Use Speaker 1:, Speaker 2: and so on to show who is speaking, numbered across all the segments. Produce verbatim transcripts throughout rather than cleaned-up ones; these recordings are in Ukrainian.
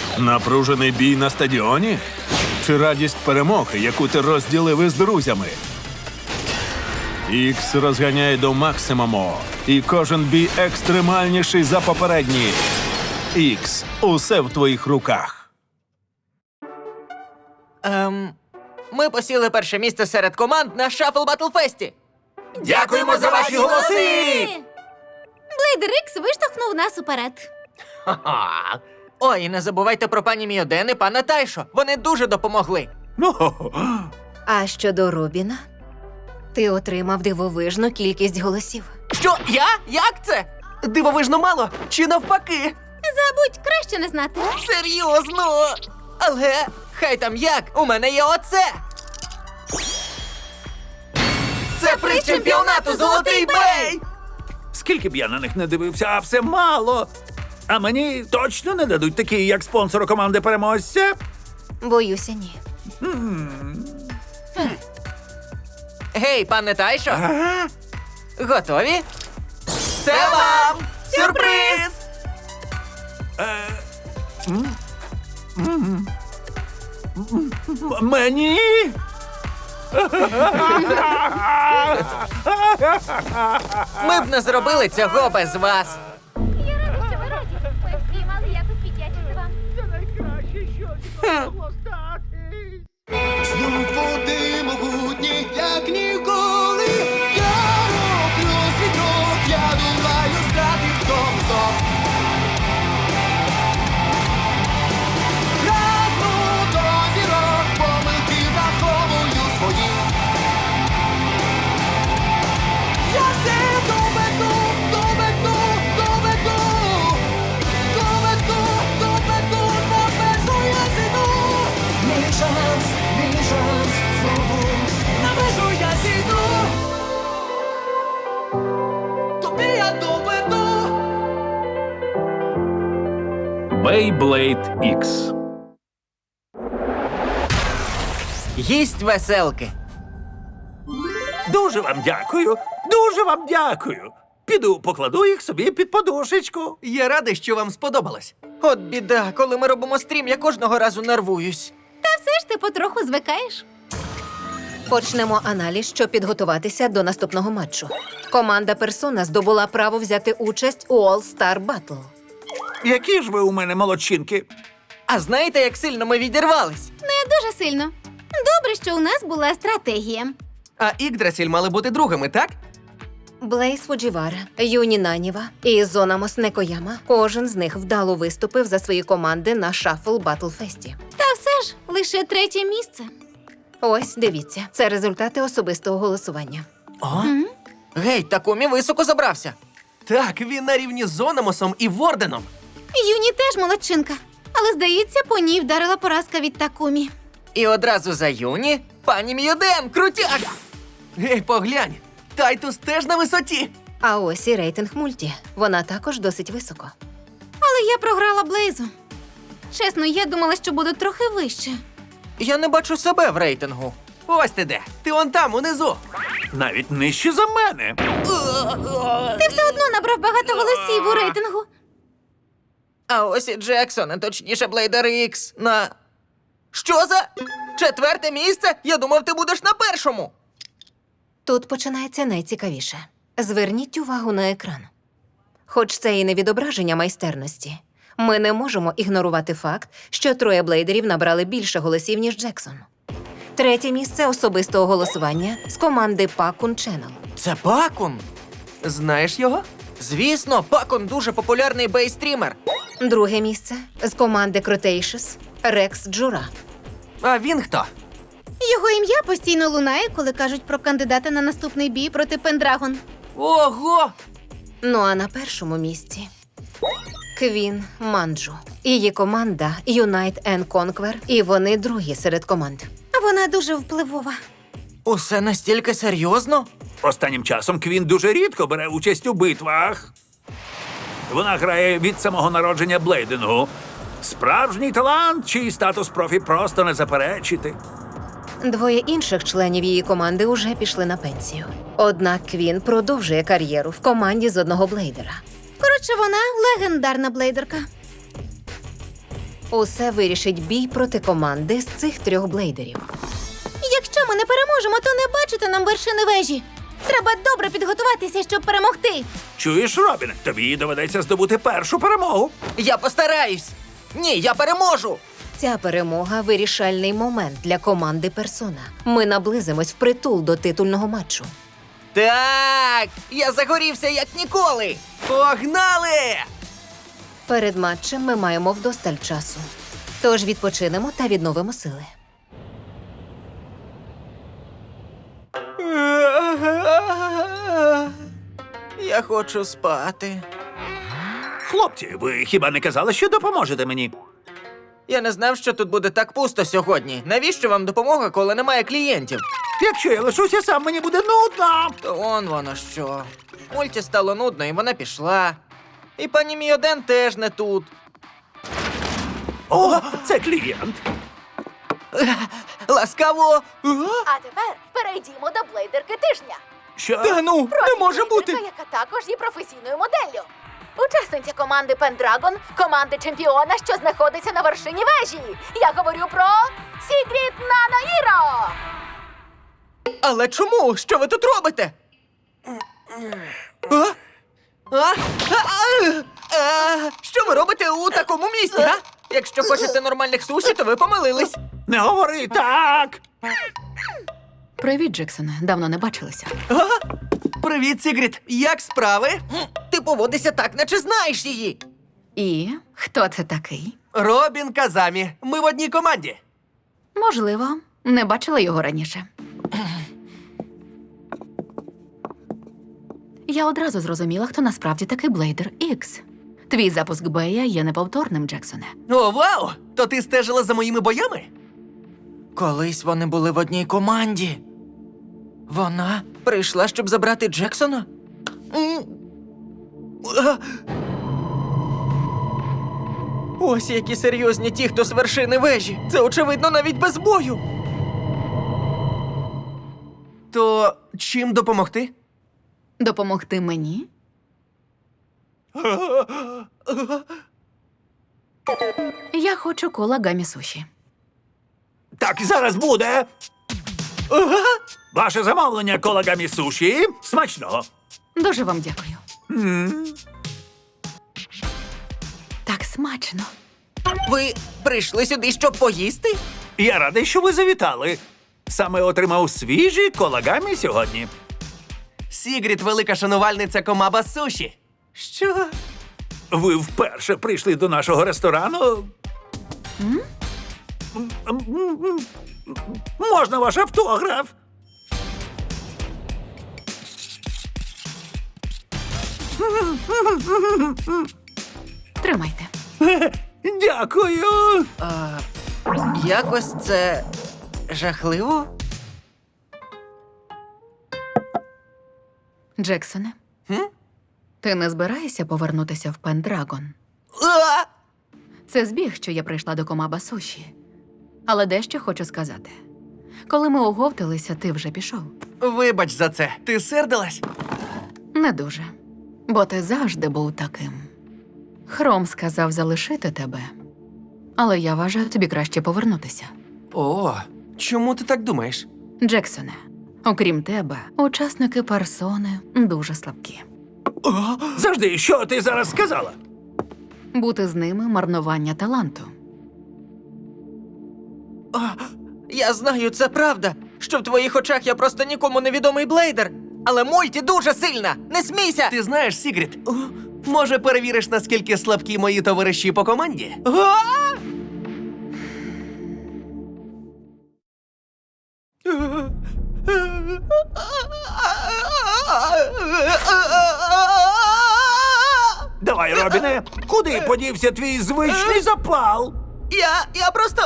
Speaker 1: Напружений бій на стадіоні? Чи радість перемоги, яку ти розділив із друзями? Ікс розганяє до максимуму, і кожен бій екстремальніший за попередній. Ікс, усе в твоїх руках.
Speaker 2: Ем, ми посіли перше місце серед команд на Шафл Батлфесті. Дякуємо за ваші голоси!
Speaker 3: Блейдер Ікс виштовхнув нас уперед.
Speaker 2: Ха-ха. Ой, і не забувайте про пані Міоден і пана Тайшо. Вони дуже допомогли.
Speaker 4: А щодо Робіна, ти отримав дивовижну кількість голосів.
Speaker 2: Що? Я? Як це?
Speaker 5: Дивовижно мало? Чи навпаки?
Speaker 3: Забудь, краще не знати.
Speaker 2: Серйозно? Але хай там як, у мене є оце. Це приз чемпіонату «Золотий бей».
Speaker 6: Скільки б я на них не дивився, а все мало. А мені точно не дадуть такі, як спонсору команди переможця?
Speaker 4: Боюся, ні.
Speaker 2: Гей, пане Тайшо,
Speaker 6: Ага.
Speaker 2: готові? Це вам сюрприз!
Speaker 6: М- Мені?
Speaker 2: Ми б не зробили цього без вас.
Speaker 3: Я рада, що ви раді. Ми всі мали якось віддячити вам.
Speaker 7: Знов води могутні, як ніколи. Я роблю свій крок, я думаю, стати в тому знов. Прагну до зірок, помилки враховую свої. Я все доведу, доведу, доведу. Доведу, доведу, на межу я зійду. Мій шанс, мій шанс, знову на межу я зійду. Тобі я доведу.
Speaker 1: Бейблейд Ікс.
Speaker 2: Їсть веселки.
Speaker 6: Дуже вам дякую. Дуже вам дякую. Піду покладу їх собі під подушечку.
Speaker 5: Я радий, що вам сподобалось.
Speaker 2: От біда, коли ми робимо стрім, я кожного разу нервуюсь.
Speaker 3: Та все ж ти потроху звикаєш.
Speaker 4: Почнемо аналіз, щоб підготуватися до наступного матчу. Команда Персона здобула право взяти участь у All Star Battle.
Speaker 6: Які ж ви у мене молодчинки?
Speaker 2: А знаєте, як сильно ми відірвались?
Speaker 3: Не дуже сильно. Добре, що у нас була стратегія.
Speaker 5: А Ікдрасіль мали бути другими, так?
Speaker 4: Блейз Фуджівара, Юні Наніва і Зонамос Некояма. Кожен з них вдало виступив за свої команди на Шафл Батлфесті.
Speaker 3: Та все ж, лише третє місце.
Speaker 4: Ось, дивіться, це результати особистого голосування.
Speaker 2: О? Гей, Такумі високо забрався.
Speaker 5: Так, він на рівні з Зономосом і Ворденом.
Speaker 3: Юні теж молодчинка. Але, здається, по ній вдарила поразка від Такумі.
Speaker 2: І одразу за Юні пані Міоден, крутяк!
Speaker 5: Гей, поглянь, Тайтус теж на висоті.
Speaker 4: А ось і рейтинг мульті. Вона також досить високо.
Speaker 3: Але я програла Блейзу. Чесно, я думала, що буду трохи вище.
Speaker 2: Я не бачу себе в рейтингу.
Speaker 5: Ось ти де. Ти он там, унизу.
Speaker 6: Навіть нижче за мене.
Speaker 3: Ти все одно набрав багато голосів у рейтингу.
Speaker 2: А ось і Джексон, а точніше Блейдер Ікс, на... Що за? Четверте місце? Я думав, ти будеш на першому.
Speaker 4: Тут починається найцікавіше. Зверніть увагу на екран. Хоч це і не відображення майстерності, ми не можемо ігнорувати факт, що троє блейдерів набрали більше голосів, ніж Джексон. Третє місце особистого голосування з команди Пакун Channel.
Speaker 2: Це Пакун?
Speaker 5: Знаєш його?
Speaker 2: Звісно, Пакун дуже популярний бейстрімер.
Speaker 4: Друге місце з команди Cretaceous Рекс Джура.
Speaker 5: А він хто?
Speaker 3: Його ім'я постійно лунає, коли кажуть про кандидата на наступний бій проти Пендрагон.
Speaker 5: Ого!
Speaker 4: Ну а на першому місці Квін Манджу. Її команда Unite and Conquer, і вони другі серед команд.
Speaker 3: Вона дуже впливова.
Speaker 2: Усе настільки серйозно?
Speaker 6: Останнім часом Квін дуже рідко бере участь у битвах. Вона грає від самого народження блейдингу. Справжній талант, чий статус профі просто не заперечити.
Speaker 4: Двоє інших членів її команди уже пішли на пенсію. Однак Квін продовжує кар'єру в команді з одного блейдера.
Speaker 3: Коротше, вона легендарна блейдерка.
Speaker 4: Усе вирішить бій проти команди з цих трьох блейдерів.
Speaker 3: Якщо ми не переможемо, то не бачите нам вершини вежі. Треба добре підготуватися, щоб перемогти.
Speaker 6: Чуєш, Робіне, тобі доведеться здобути першу перемогу.
Speaker 2: Я постараюсь! Ні, я переможу!
Speaker 4: Ця перемога – вирішальний момент для команди Персона. Ми наблизимось впритул до титульного матчу.
Speaker 2: Так! Я загорівся як ніколи!
Speaker 5: Погнали!
Speaker 4: Перед матчем ми маємо вдосталь часу. Тож відпочинемо та відновимо сили.
Speaker 2: Я хочу спати.
Speaker 6: Хлопці, ви хіба не казали, що допоможете мені?
Speaker 2: Я не знав, що тут буде так пусто сьогодні. Навіщо вам допомога, коли немає клієнтів?
Speaker 6: Якщо я лишуся сам, мені буде нудно.
Speaker 2: То он воно що. Мульті стало нудно, і вона пішла. І пані Мійоден теж не тут.
Speaker 6: О, це клієнт.
Speaker 2: Ласкаво!
Speaker 8: А тепер перейдімо до блейдерки тижня.
Speaker 6: Що?
Speaker 2: Та ну, не може бути!
Speaker 8: Блейдерка, яка також є професійною моделлю. Учасниця команди Пендрагон, команди чемпіона, що знаходиться на вершині вежі. Я говорю про Сігрід Нанаїро!
Speaker 2: Але чому? Що ви тут робите? А? А? А? А? Що ви робите у такому місці, а? Якщо хочете нормальних суші, то ви помилились.
Speaker 6: Не говори так.
Speaker 9: Привіт, Джексоне. Давно не бачилися.
Speaker 5: Привіт, Сігрід! Як справи?
Speaker 2: Ти поводишся так, наче знаєш її.
Speaker 9: І хто це такий?
Speaker 5: Робін Казамі. Ми в одній команді.
Speaker 9: Можливо, не бачила його раніше. Я одразу зрозуміла, хто насправді такий Блейдер Ікс. Твій запуск Бея є неповторним, Джексоне.
Speaker 5: О, вау! То ти стежила за моїми боями?
Speaker 2: Колись вони були в одній команді. Вона прийшла, щоб забрати Джексона? М. А. Ось які серйозні ті, хто з вершини вежі. Це, очевидно, навіть без бою.
Speaker 5: То чим допомогти?
Speaker 9: Допомогти мені? Я хочу кола гамі суші.
Speaker 6: Так, зараз буде. Ваше замовлення колагамі суші. Смачного.
Speaker 9: Дуже вам дякую. Так смачно.
Speaker 2: Ви прийшли сюди, щоб поїсти?
Speaker 6: Я радий, що ви завітали. Саме отримав свіжі колагамі сьогодні.
Speaker 5: Сігрід – велика шанувальниця комаба суші.
Speaker 2: Що?
Speaker 6: Ви вперше прийшли до нашого ресторану? М? М, м, м, Можна ваш автограф?
Speaker 9: Тримайте.
Speaker 6: Дякую.
Speaker 2: А, якось це жахливо?
Speaker 9: Джексоне,
Speaker 5: Хм?
Speaker 9: ти не збираєшся повернутися в Пендрагон?
Speaker 2: А!
Speaker 9: Це збіг, що я прийшла до комаба суші. Але дещо хочу сказати. Коли ми оговталися, ти вже пішов.
Speaker 5: Вибач за це. Ти сердилась?
Speaker 9: Не дуже. Бо ти завжди був таким. Хром сказав залишити тебе. Але я вважаю, тобі краще повернутися.
Speaker 5: О, чому ти так думаєш?
Speaker 9: Джексоне, окрім тебе, учасники персони дуже слабкі.
Speaker 6: Завжди, що ти зараз сказала?
Speaker 9: Бути з ними марнування таланту.
Speaker 2: А, я знаю, це правда, що в твоїх очах я просто нікому невідомий блейдер. Але мульті дуже сильна! Не смійся!
Speaker 5: Ти знаєш, Сігрід, може перевіриш, наскільки слабкі мої товариші по команді?
Speaker 2: А!
Speaker 6: Давай, Робіне, куди подівся твій звичний запал?
Speaker 2: Я. я просто.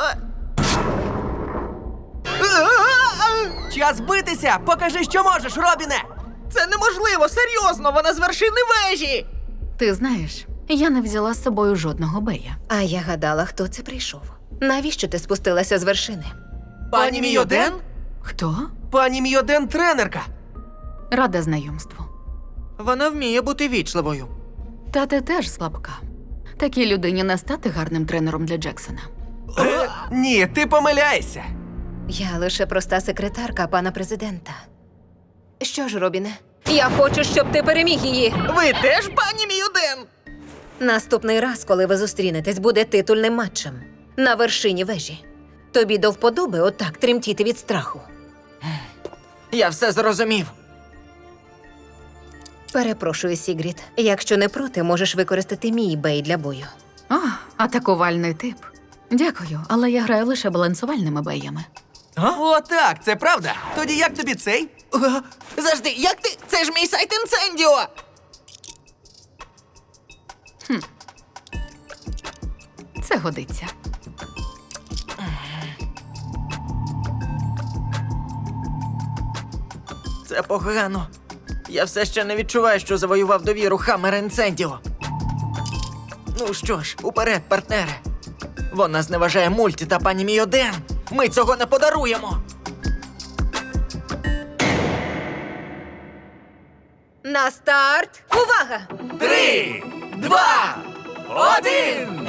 Speaker 5: Час битися! Покажи, що можеш, Робіне!
Speaker 2: Це неможливо, серйозно, вона з вершини вежі!
Speaker 9: Ти знаєш, я не взяла з собою жодного бея.
Speaker 4: А я гадала, хто це прийшов. Навіщо ти спустилася з вершини?
Speaker 5: Пані Мійоден?
Speaker 9: Хто?
Speaker 5: Пані Мійоден тренерка.
Speaker 9: Рада знайомству.
Speaker 2: Вона вміє бути вічливою.
Speaker 9: Та ти теж слабка. Такій людині не стати гарним тренером для Джексона.
Speaker 5: Е, ні, ти помиляєшся.
Speaker 4: Я лише проста секретарка пана президента. Що ж, Робіне? Я хочу, щоб ти переміг її.
Speaker 2: Ви теж, пані Міюден?
Speaker 4: Наступний раз, коли ви зустрінетесь, буде титульним матчем на вершині вежі. Тобі до вподоби отак тремтіти від страху.
Speaker 2: Я все зрозумів.
Speaker 4: Перепрошую, Сігріт. Якщо не проти, можеш використати мій бей для бою.
Speaker 9: О, атакувальний тип. Дякую, але я граю лише балансувальними беями.
Speaker 5: О, так, це правда. Тоді як тобі цей?
Speaker 2: О, завжди, як ти? Це ж мій сайт інцендіо!
Speaker 9: Це годиться.
Speaker 2: Це погано. Я все ще не відчуваю, що завоював довіру Хаммер Інцендіо. Ну що ж, уперед, партнери. Вона зневажає мульті та пані Міюден. Ми цього не подаруємо.
Speaker 4: На старт! Увага!
Speaker 5: Три, два, один!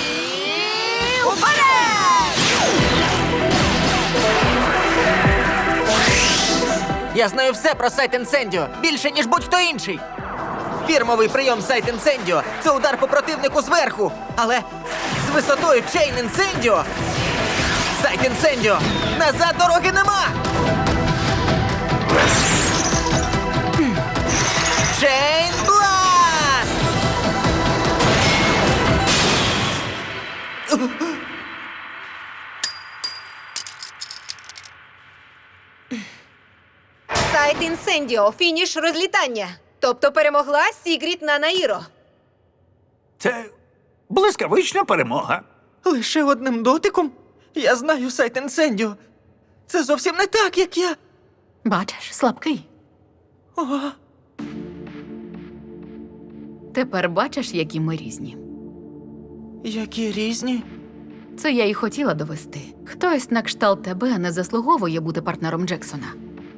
Speaker 2: Я знаю все про сайт інцендіо, більше, ніж будь-хто інший. Фірмовий прийом сайт інцендіо – це удар по противнику зверху, але з висотою чейн інцендіо. Сайт інцендіо! Назад дороги нема! Чейн бласт!
Speaker 4: Сайт інсендіо, фініш розлітання. Тобто перемогла Сігріт Нанаїро.
Speaker 6: Це блискавична перемога.
Speaker 2: Лише одним дотиком? Я знаю сайт інцендіо. Це зовсім не так, як я.
Speaker 9: Бачиш, слабкий.
Speaker 2: О,
Speaker 9: Тепер бачиш, які ми різні.
Speaker 2: які різні.
Speaker 9: Це я й хотіла довести. Хтось на кшталт тебе не заслуговує бути партнером Джексона.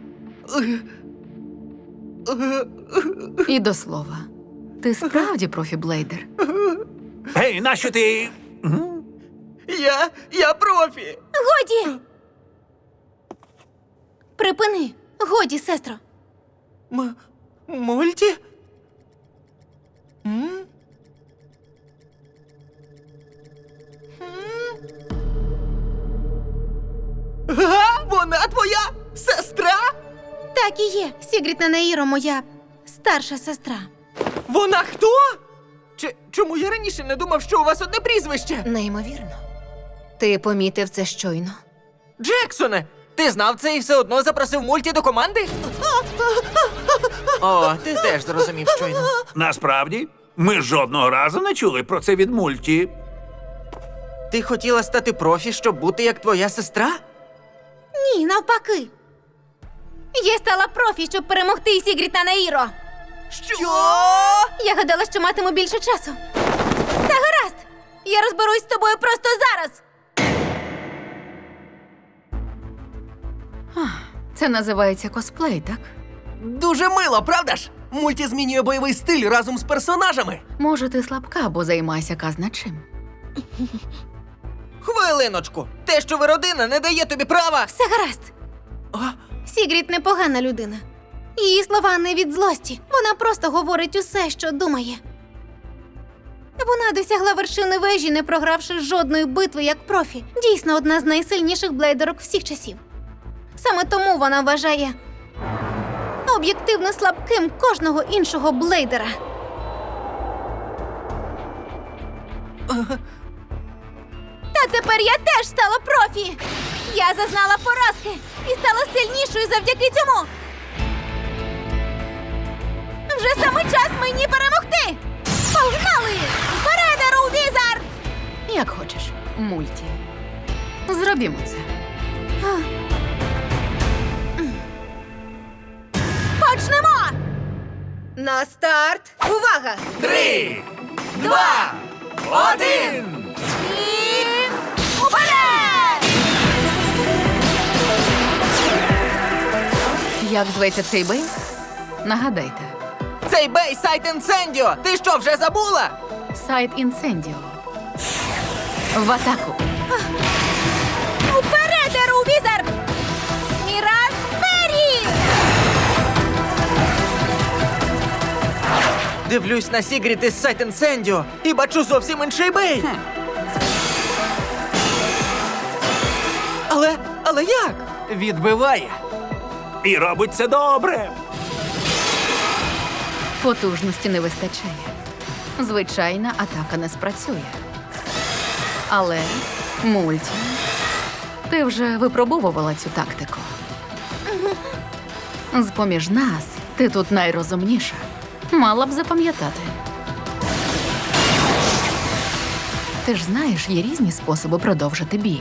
Speaker 9: І до слова, ти справді профі-блейдер.
Speaker 6: Гей, нащо ти.
Speaker 2: Я. я профі.
Speaker 3: Годі! Припини! Годі, сестро!
Speaker 2: М- мульті? М? Га? Вона твоя сестра?
Speaker 3: Так і є. Сігріт Нанаїро моя старша сестра.
Speaker 2: Вона хто? Чи, чому я раніше не думав, що у вас одне прізвище?
Speaker 4: Неймовірно. Ти помітив це щойно?
Speaker 2: Джексоне, ти знав це і все одно запросив мульті до команди? О, ти теж зрозумів щойно.
Speaker 6: Насправді, ми жодного разу не чули про це від мульті.
Speaker 2: Ти хотіла стати профі, щоб бути як твоя сестра?
Speaker 3: Ні, навпаки. Я стала профі, щоб перемогти Сігріт Нанаїро.
Speaker 2: Що?
Speaker 3: Я гадала, що матиму більше часу. Та гаразд! Я розберусь з тобою просто зараз.
Speaker 9: Це називається косплей, так?
Speaker 5: Дуже мило, правда ж? Мульті змінює бойовий стиль разом з персонажами.
Speaker 9: Може, ти слабка, бо займайся казна чим.
Speaker 2: Хвилиночку. Те, що ви родина, не дає тобі права.
Speaker 3: Все гаразд.
Speaker 2: А?
Speaker 3: Сігріт непогана людина. Її слова не від злості. Вона просто говорить усе, що думає. Вона досягла вершини вежі, не програвши жодної битви як профі. Дійсно, одна з найсильніших блейдерок всіх часів. Саме тому вона вважає об'єктивно слабким кожного іншого блейдера. Та тепер я теж стала профі! Я зазнала поразки і стала сильнішою завдяки цьому! Вже саме час мені перемогти! Погнали! Вперед, Еру Візард!
Speaker 9: Як хочеш, мульті. Зробімо це.
Speaker 3: Почнемо!
Speaker 4: На старт! Увага!
Speaker 5: Три, два, один!
Speaker 3: І... Уперед!
Speaker 9: Як зветься цей бей? Нагадайте.
Speaker 2: Цей бей сайт інцендіо! Ти що, вже забула?
Speaker 9: Сайт інсендіо. В атаку.
Speaker 3: Уперед, Еру Візард! Міраж Фері!
Speaker 2: Дивлюсь на Сігріт із Сайт Інсендіо і бачу зовсім інший бей. Але, але як?
Speaker 5: Відбиває.
Speaker 6: І робить це добре.
Speaker 9: Потужності не вистачає. Звичайна атака не спрацює. Але, мульті, ти вже випробовувала цю тактику. З-поміж нас ти тут найрозумніша. Мала б запам'ятати. Ти ж знаєш, є різні способи продовжити бій.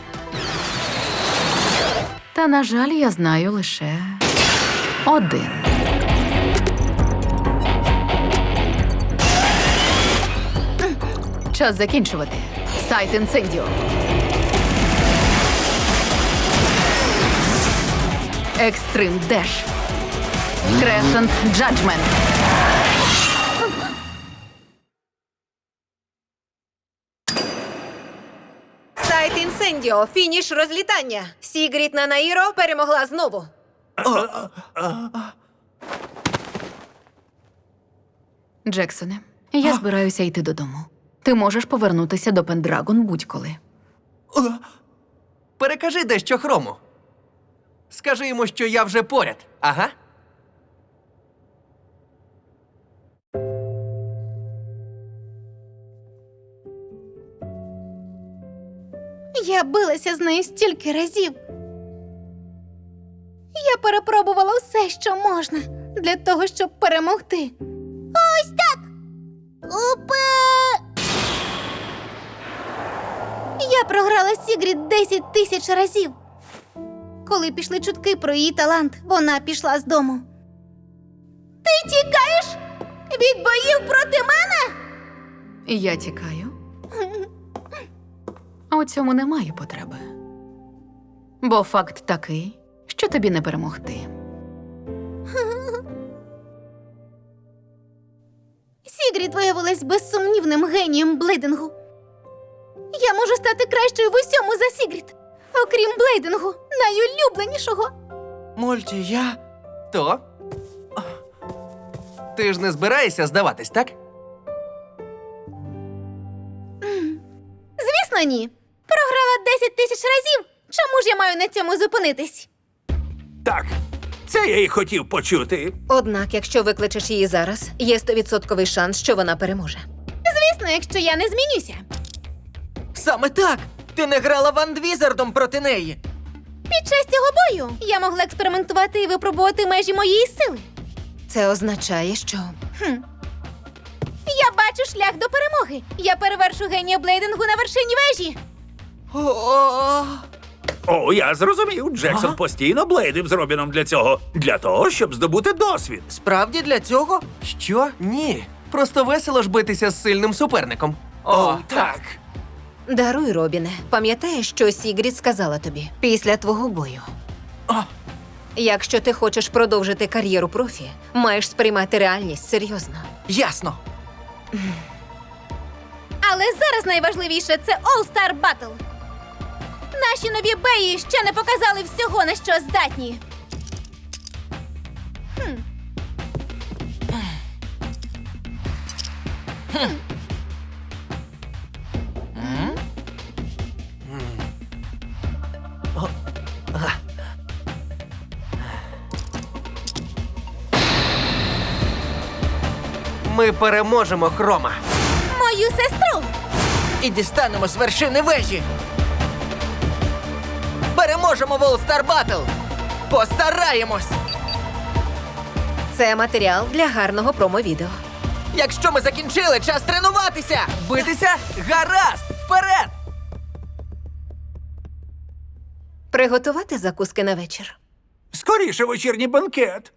Speaker 9: Та, на жаль, я знаю лише один. Час закінчувати. Сайт інсендіо. Екстрим Деш. Кресент Джаджмент.
Speaker 4: Сайт інсендіо. Фініш розлітання. Сігріт Нанаїро перемогла знову.
Speaker 9: Джексоне, я збираюся йти додому. Ти можеш повернутися до Пендрагон будь-коли.
Speaker 5: Перекажи дещо Хрому. Скажи йому, що я вже поряд. Ага.
Speaker 3: Я билася з нею стільки разів. Я перепробувала все, що можна, для того, щоб перемогти. Ось так! Упе! Я програла Сігріт десять тисяч разів. Коли пішли чутки про її талант, вона пішла з дому. Ти тікаєш від боїв проти мене?
Speaker 9: Я тікаю. А у цьому немає потреби. Бо факт такий, що тобі не перемогти.
Speaker 3: Сігріт виявилась безсумнівним генієм блейдингу. Я можу стати кращою в усьому за Сігріт. Окрім блейдингу, найулюбленішого.
Speaker 5: Мульті, я... То? Ти ж не збираєшся здаватись, так?
Speaker 3: Звісно, ні. Програла десять тисяч разів. Чому ж я маю на цьому зупинитись?
Speaker 6: Так, це я і хотів почути.
Speaker 4: Однак, якщо викличеш її зараз, є стовідсотковий шанс, що вона переможе.
Speaker 3: Звісно, якщо я не змінюся.
Speaker 2: Саме так! Ти не грала Ван Візардом проти неї.
Speaker 3: Під час цього бою я могла експериментувати і випробувати межі моєї сили.
Speaker 4: Це означає, що
Speaker 3: Я бачу шлях до перемоги. Я перевершу генія блейдингу на вершині вежі.
Speaker 2: О-о-о!
Speaker 6: О, я зрозумів. Джексон
Speaker 2: Ага.
Speaker 6: постійно блейдив з Робіном для цього. Для того, щоб здобути досвід.
Speaker 2: Справді для цього?
Speaker 5: Що? Ні. Просто весело ж битися з сильним суперником. О, так.
Speaker 4: даруй, Робіне. Пам'ятаєш, що Сігріт сказала тобі після твого бою?
Speaker 5: О.
Speaker 4: Якщо ти хочеш продовжити кар'єру профі, маєш сприймати реальність серйозно.
Speaker 2: Ясно.
Speaker 3: Але зараз найважливіше – це All-Star Battle. Наші нові беї ще не показали всього, на що здатні. Хм. Хм.
Speaker 5: Ми переможемо Хрома.
Speaker 3: Мою сестру!
Speaker 2: І дістанемо з вершини вежі. Переможемо в All-Star Battle. Постараємось.
Speaker 4: Це матеріал для гарного промо-відео.
Speaker 2: Якщо ми закінчили, час тренуватися.
Speaker 5: Битися? Гаразд! Вперед!
Speaker 4: Приготувати закуски на вечір.
Speaker 6: Скоріше вечірній банкет.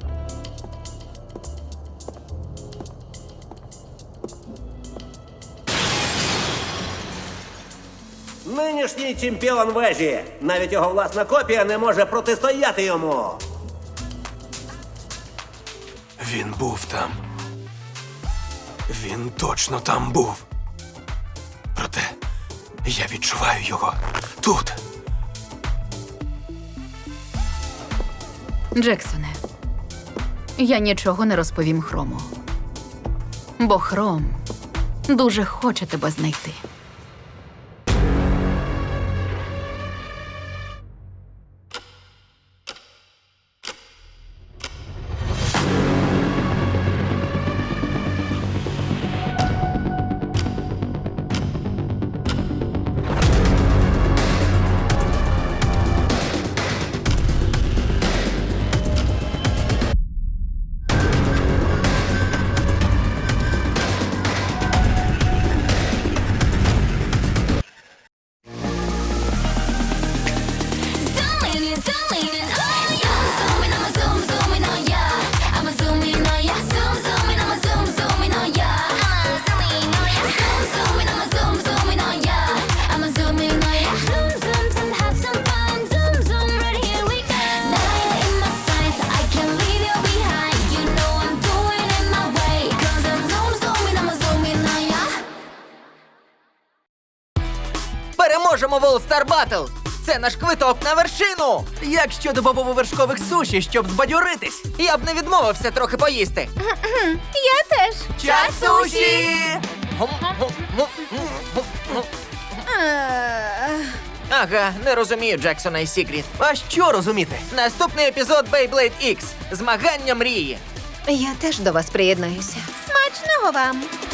Speaker 10: Нинішній чемпіон вежі. Навіть його власна копія не може протистояти йому.
Speaker 1: Він був там.
Speaker 5: Він точно там був. Проте я відчуваю його тут.
Speaker 9: Джексоне, я нічого не розповім Хрому. Бо Хром дуже хоче тебе знайти.
Speaker 8: Zooming in, zooming in, oh yeah. Zooming, I'ma zoom, zooming, oh yeah. I'ma zoom in, oh yeah. Zoom, zooming, I'ma zoom, zooming, oh yeah. I'ma zoom in, oh yeah. Zoom, zooming, I'ma zoom, zooming, oh yeah. I'ma zoom in, oh yeah. Zoom, zoom, zoom, have some fun. Zoom, zoom, right here we go. Nine in my sights, I can't leave you behind. You know I'm doing it my way. 'Cause I'm zoom, zooming, I'ma zoom in, oh yeah.
Speaker 2: Переможемо в All Star Battle! Це наш квиток на вершину!
Speaker 5: Як щодо бобово-вершкових суші, щоб збадьоритись?
Speaker 2: Я б не відмовився трохи поїсти.
Speaker 3: Я теж.
Speaker 5: Час суші!
Speaker 3: Е,
Speaker 2: Ага, не розумію Джексона і Сігріт.
Speaker 5: А що розуміти?
Speaker 2: Наступний епізод Beyblade X. Змагання мрії.
Speaker 4: Я теж до вас приєднаюся.
Speaker 3: Смачного вам!